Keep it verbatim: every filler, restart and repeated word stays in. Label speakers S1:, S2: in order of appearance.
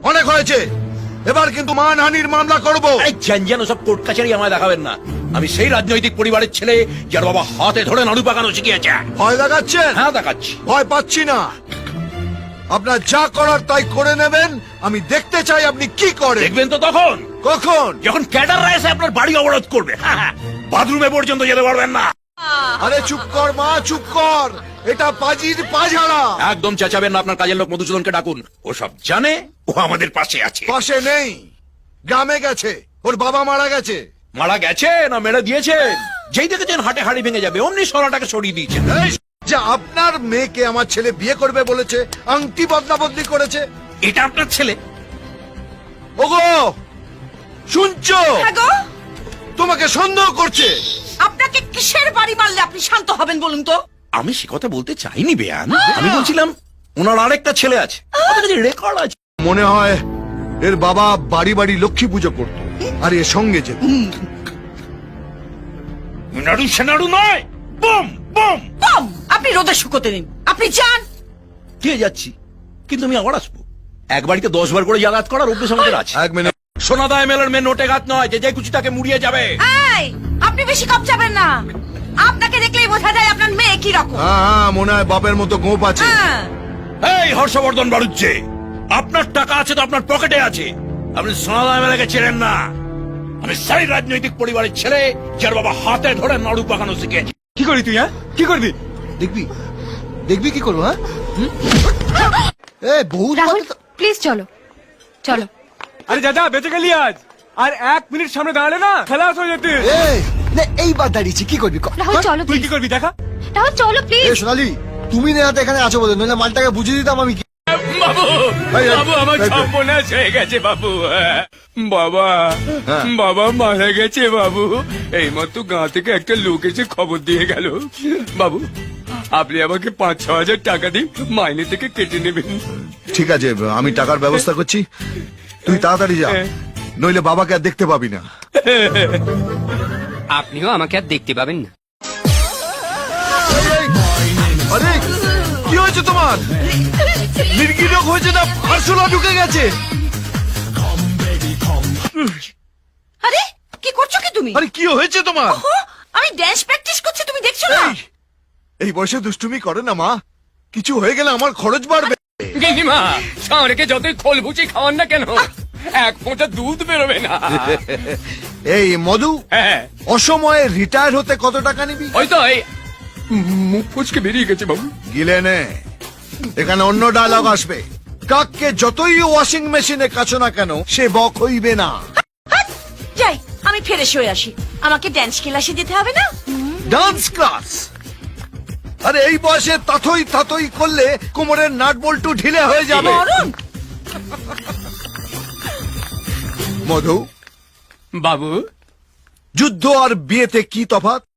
S1: অনেক হয়েছে, এবার কিন্তু মানহানির মামলা করব।
S2: আরে জ্যান সব কোর্ট কাছারি আমায় দেখাবেন না। আমি সেই রাজনৈতিক পরিবারের ছেলে যার বাবা হাতে ধরে নাড়ু পাকানো শিখিয়েছে।
S1: ভয় দেখাচ্ছেন?
S2: হ্যাঁ দেখাচ্ছি।
S1: ভয় পাচ্ছি না, আপনার যা করার তাই করে নেবেন। আমি দেখতে চাই আপনি কি করেন।
S2: দেখবেন তো তখন,
S1: কখন?
S2: যখন ক্যাডাররা এসে আপনার বাড়ি অবরোধ করবে। বাথরুমে পর্যন্ত যেতে পারবেন না।
S1: আরে চুপ কর মা, চুপ কর, এটা পাজির পাঝাড়া।
S2: একদম চেঁচাবেন না, আপনার কাজের লোক মধুসূদনকে ডাকুন। ও সব জানে, ও আমাদের পাশে আছে।
S1: পাশে নেই, গ্রামে গেছে, ওর বাবা মারা গেছে।
S2: মারা গেছে না মেরে দিয়েছে? যেই দেখেছেন হাটে হাড়ি ভেঙে যাবে অমনি সরাটাকে সরিয়ে দিয়েছেন।
S1: এই, যে আপনার মেয়েকে আমার ছেলে বিয়ে করবে বলেছে, আংটি বদলা বদলি করেছে।
S2: এটা আপনার ছেলে?
S1: ওগো শুনছো?
S3: হ্যাঁ গো,
S2: তোমাকে সন্দেহ করছে।
S3: আপনাকে কিসের বাড়ি মারলে আপনি শান্ত হবেন বলুন তো?
S2: আমি সে কথা বলতে চাইনি বেয়ান। আমি বলছিলাম ওনার আরেকটা ছেলে আছে, রেকর্ড আছে।
S1: মনে হয় এর বাবা বাড়ি বাড়ি লক্ষ্মী পুজো করতো আর এর সঙ্গে যেত।
S2: নাড়ু সেনাড়ু নয়, বম বম
S3: বম! আপনি রোদে শুকোতে দিন, আপনি যান।
S2: দিয়ে যাচ্ছি, কিন্তু আমি আবার আসবো। এক বাড়িতে দশ বার করে যাতায়াত করার অভ্যেস আমাদের আছে।
S1: এক মিনিট,
S2: সোনাদা এমএলএর মেয়ে নোটে গাত নয় যে যে কুচি তাকে মুড়িয়ে যাবে।
S3: এই, আপনি বেশি কম যাবেন না। আপনাকে দেখলেই বোঝা যায় আপনার মেয়ে কি রকম।
S1: হ্যাঁ হ্যাঁ, মনে হয় বাপের মতো গোপ আছে।
S3: হ্যাঁ।
S2: এই হর্ষবর্ধন বাড়ুচ্ছে, আপনার টাকা আছে তো আপনার পকেটে আছে। আপনি সোনাদা এমএলএকে চেনেন না। আমি সেই রাজনৈতিক পরিবারের ছেলে যার বাবা হাতে ধরে নাড়ু পাকানো শিখেছে।
S4: কি করবি তুই? হ্যাঁ কি করবি?
S1: দেখবি দেখবি কি করবো? হ্যাঁ এ বহু
S5: রাহুল প্লিজ চলো চলো।
S4: আরে দাদা বেঁচে গেলি আজ। আর এক মিনিট সামনে দাঁড়ালে না খেলা হয়ে যেতে।
S6: এইবার দাঁড়িয়েছি, কি করবি?
S5: রাহুল চলো
S4: তুই কি
S5: প্লিজ।
S4: করবি দেখা?
S5: রাহুল চলো
S6: এ
S5: প্লিজ।
S6: সোনালি, তুমি নেহাতে এখানে আছো বলে, নইলে মালটাকে বুঝিয়ে দিতাম আমি। কি
S4: বাবু
S1: এই, এই,
S4: বাবু আমার
S1: এই, এই।
S4: সর্বনাশ হয়ে গেছে বাবু। বাবা বাবা মারা গেছে বাবু। এই মাত্র গাঁ থেকে একটা লোক এসে খবর দিয়ে গেল। বাবু আপনি আমাকে পাঁচ ছ হাজার টাকা দিন, মাইনে থেকে কেটে নেবেন।
S1: ঠিক আছে, আমি টাকার ব্যবস্থা করছি, তুই তাড়াতাড়ি যা, নইলে বাবাকে আর দেখতে পাবি না।
S7: আপনিও আমাকে আর দেখতে পাবেন না।
S1: আরে কি হয়েছে তোমার? মির্গি রোগ হয়েছে না আরশোলা ঢুকে গেছে?
S3: আরে কি করছো কি তুমি?
S1: আরে কি হয়েছে তোমার?
S3: ওহো, আমি ড্যান্স প্র্যাকটিস করছি, তুমি দেখছো না?
S1: এই, এই বয়সে দুষ্টুমি করে না মা, কিছু হয়ে গেলে আমার খরচ বাড়বে।
S7: গিনিমা সাঁড়কে যতই খোল ভুচি খাওয়ান না কেন, এক ফোঁটা দুধ বেরোবে না।
S1: এই মধু,
S7: হ্যাঁ
S1: অসময়ে রিটায়ার হতে কত টাকা নিবি?
S7: ওই তো এই মুখ ফুচকে বেরিয়ে গেছে বাবু।
S1: গিলে নে, এখানে অন্য ডায়লগ আসবে। কাককে যতই ওয়াশিং মেশিনে কাছো না কেন, সে বক হইবে না।
S3: যাই, আমি ফ্রেশ হয়ে আসি। আমাকে ড্যান্স ক্লাসে যেতে হবে না?
S1: Dance class? আরে এই বয়সে তাথই তাথই করলে কোমরের নাট বল্টু ঢিলে হয়ে যাবে।
S3: মরণ!
S1: মধু,
S7: বাবু
S1: যুদ্ধ আর বিয়েতে কি তফাৎ?